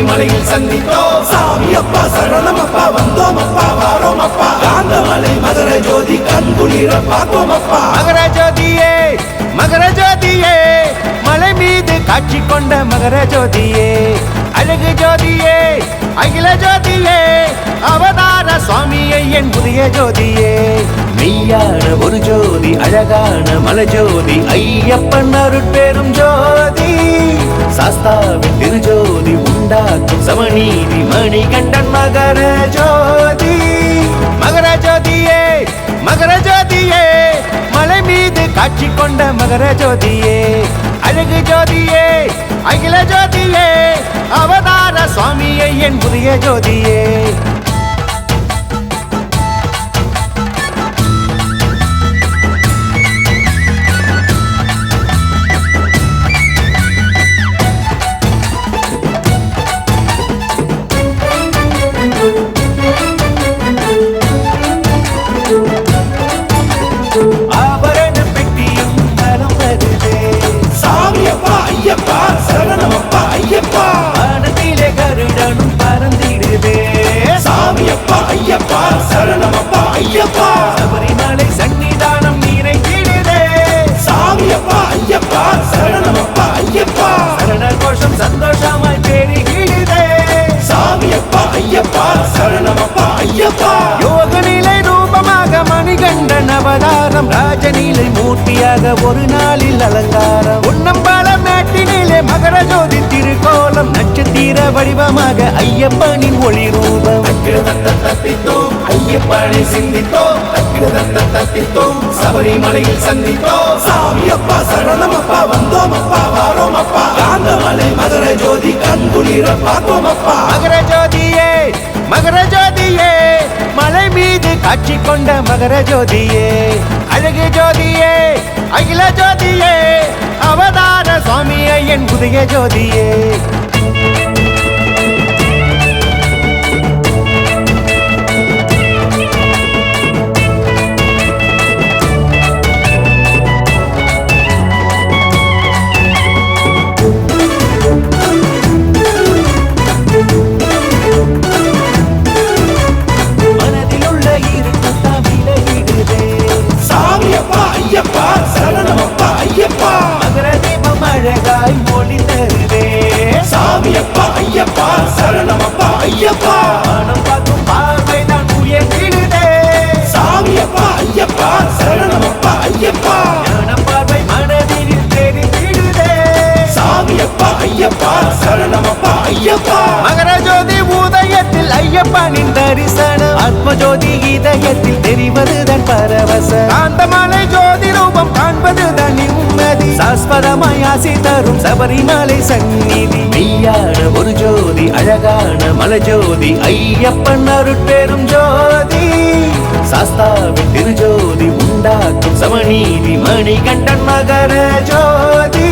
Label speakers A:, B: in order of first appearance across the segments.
A: சபரிமலையில் சந்தித்தோம் சாமி அப்பா சரணமப்பா வந்தோமப்பா வாரோமப்பா காந்தமலை மகர ஜோதி கண்குளிர பார்த்தோமப்பா
B: மகர ஜோதியே மலை மீது காட்சி கொண்ட மகர ஜோதியே அழகு ஜோதியே அகில ஜோதியே அவதார சுவாமியை என் புதிய ஜோதியே மெய்யான ஒரு ஜோதி அழகான மலை ஜோதி ஐயப்பன் அருட்பெரும் ஜோதி சாஸ்தாவின் திருஜோதி உண்டாக்கும் சமநீதி மணிகண்டன் மகர ஜோதி மகர ஜோதியே மலை மீது காட்சி கொண்ட மகர ஜோதியே அழகு ஜோதியே அகில ஜோதியே அவதார சுவாமியை என் புதிய ஜோதியே சபரிமலை சன்னிதானம் நிறைந்திடுதே
A: சாமியப்பா ஐயப்பா சரணமப்பா ஐயப்பா
B: சரண கோஷம் சந்தோஷமாய் பெருகிடுதே
A: சாமியப்பா ஐயப்பா சரணமப்பா ஐயப்பா
B: யோக நிலை ரூபமாக மணிகண்டன் அவதாரம் ராஜநிலை மூர்த்தியாக ஒரு நாளில் அலங்காரம் உன்னம்பல மேட்டினிலே மகர ஜோதி திருக்கோலம் நட்சத்திர வடிவமாக ஐயப்பனின் ஒளி ரூபம்
A: தத்தித்தோம் ஐயப்பனை சிந்தித்தோம் தத்தித்தோம் சபரிமலையில் சந்தித்தோம் சாமியப்பா சரணமப்பா வந்தோமப்பா வாரோமப்பா காந்தமலை மகர ஜோதி கண்குளிர பார்த்தோமப்பா
B: மகர ஜோதியே மலை மீது காட்சி கொண்ட மகர ஜோதியே அழகு ஜோதியே அகில ஜோதியே அவதார சுவாமியை என் புதிய ஜோதியே
A: ஐயப்பா சரணமப்பா ஐயப்பா
B: மகர தீபம் அழகாய் மொழி தருவே
A: சாமியப்பா ஐயப்பா சரணமப்பா ஐயப்பா
B: மனம் பார்க்கும் பார்வைதான் உயர்த்திடுதே
A: சாமியப்பா ஐயப்பா சரணமப்பா ஐயப்பா
B: ஞான பார்வை மனதில் தெரிந்திடுதே
A: சாமியப்பா ஐயப்பா சரணமப்பா ஐயப்பா
B: மகர ஜோதி உதயத்தில் ஐயப்பனின் தரிசனம் ஆத்ம ஜோதி இதயத்தில் தெரிவதுதான் பரவச காந்தமலை ஜோதி ரூபம் காண்பதுதான் நிம்மதி சாஸ்வதமாய் ஆசி தரும் சபரிமலை சந்நிதி மெய்யான ஒரு ஜோதி அழகான மலை ஜோதி ஐயப்பன் அருட்பெரும் ஜோதி சாஸ்தாவின் திருஜோதி உண்டாக்கும் சமநீதி மணிகண்டன் மகர ஜோதி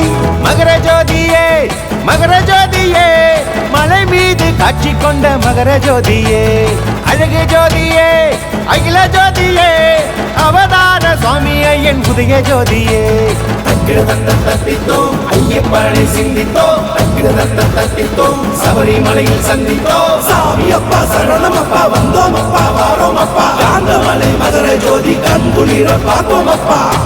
B: மகர ஜோதியே மலை மீது காட்சி கொண்ட மகர ஜோதியே அழகு ஜோதியே அகில ஜோதியே அவதார சுவாமியை என் புதிய ஜோதியே
A: தத்தித்தோம் ஐயப்பனை சிந்தித்தோம் தத்தித்தோம் சபரிமலையில் சந்தித்தோம் சாமியப்பா சரணமப்பா வந்தோமப்பா வாரோமப்பா காந்தமலை மகர ஜோதி கண்குளிர பார்த்தோமப்பா